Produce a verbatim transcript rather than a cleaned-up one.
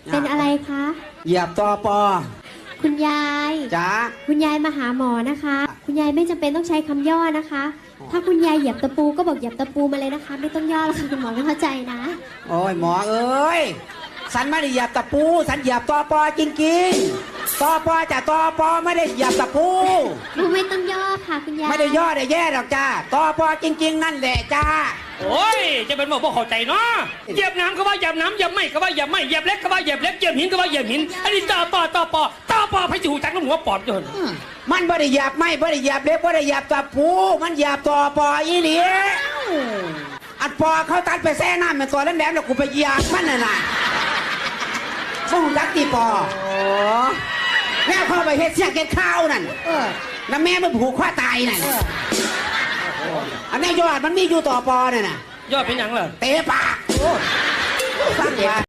เป็นอะไรคะเหยียบตอปอคุณยายจ๋าคุณยายมาหาหมอนะคะคุณยายไม่จำเป็นต้องใช้คำย่อนะคะ ถ้าคุณยายเหยียบตะปูก็บอกเหยียบตะปูมาเลยนะคะไม่ต้องย่อแล้วค่ะคุณหมอไม่เข้าใจนะโอ้ยหมอเอ้ยฉันไม่ได้เหยียบตะปูฉันเหยียบตอปอจริงๆตอปอจะตอปอไม่ได้เหยียบตะปูไม่ต้องย่อค่ะคุณยายไม่ได้ย่อได้แย่หรอกจ้าตอปอจริงๆนั่นแหละจ้าโอ้ยจะเป็นบอกว่าเข้าใจเนาะเหยียบน้ำก็ว่าเหยียบน้ำเหยียบไม่ก็ว่าเหยียบไม่เหยียบเล็กก็ว่าเหยียบเล็กเหยียบหินก็ว่าเหยียบหินอันนี้ต่อปอต่อปอต่อปอพระจูจักรหัวปอดจนมันไม่ได้เหยียบไม่ไม่ได้เหยียบเล็กไม่ได้เหยียบตะปูมันเหยียบตอปออีหลีอัดปอเขาตัดไปแซ่น้ำเป็นตัวแหลมๆแล้วกูไปเหยียบมันน่ะนะส่งรักตีปอแม่เข้าไปเฮ็ดเสียงเก็ดข้าวนั่นแล้วแม่มันผูกข้อตายนั่นอันนี้ยอดมันมีอยู่ต่อปอเนี่ยนะยอดเป็นยังเหรอเตะปากสร้างว่า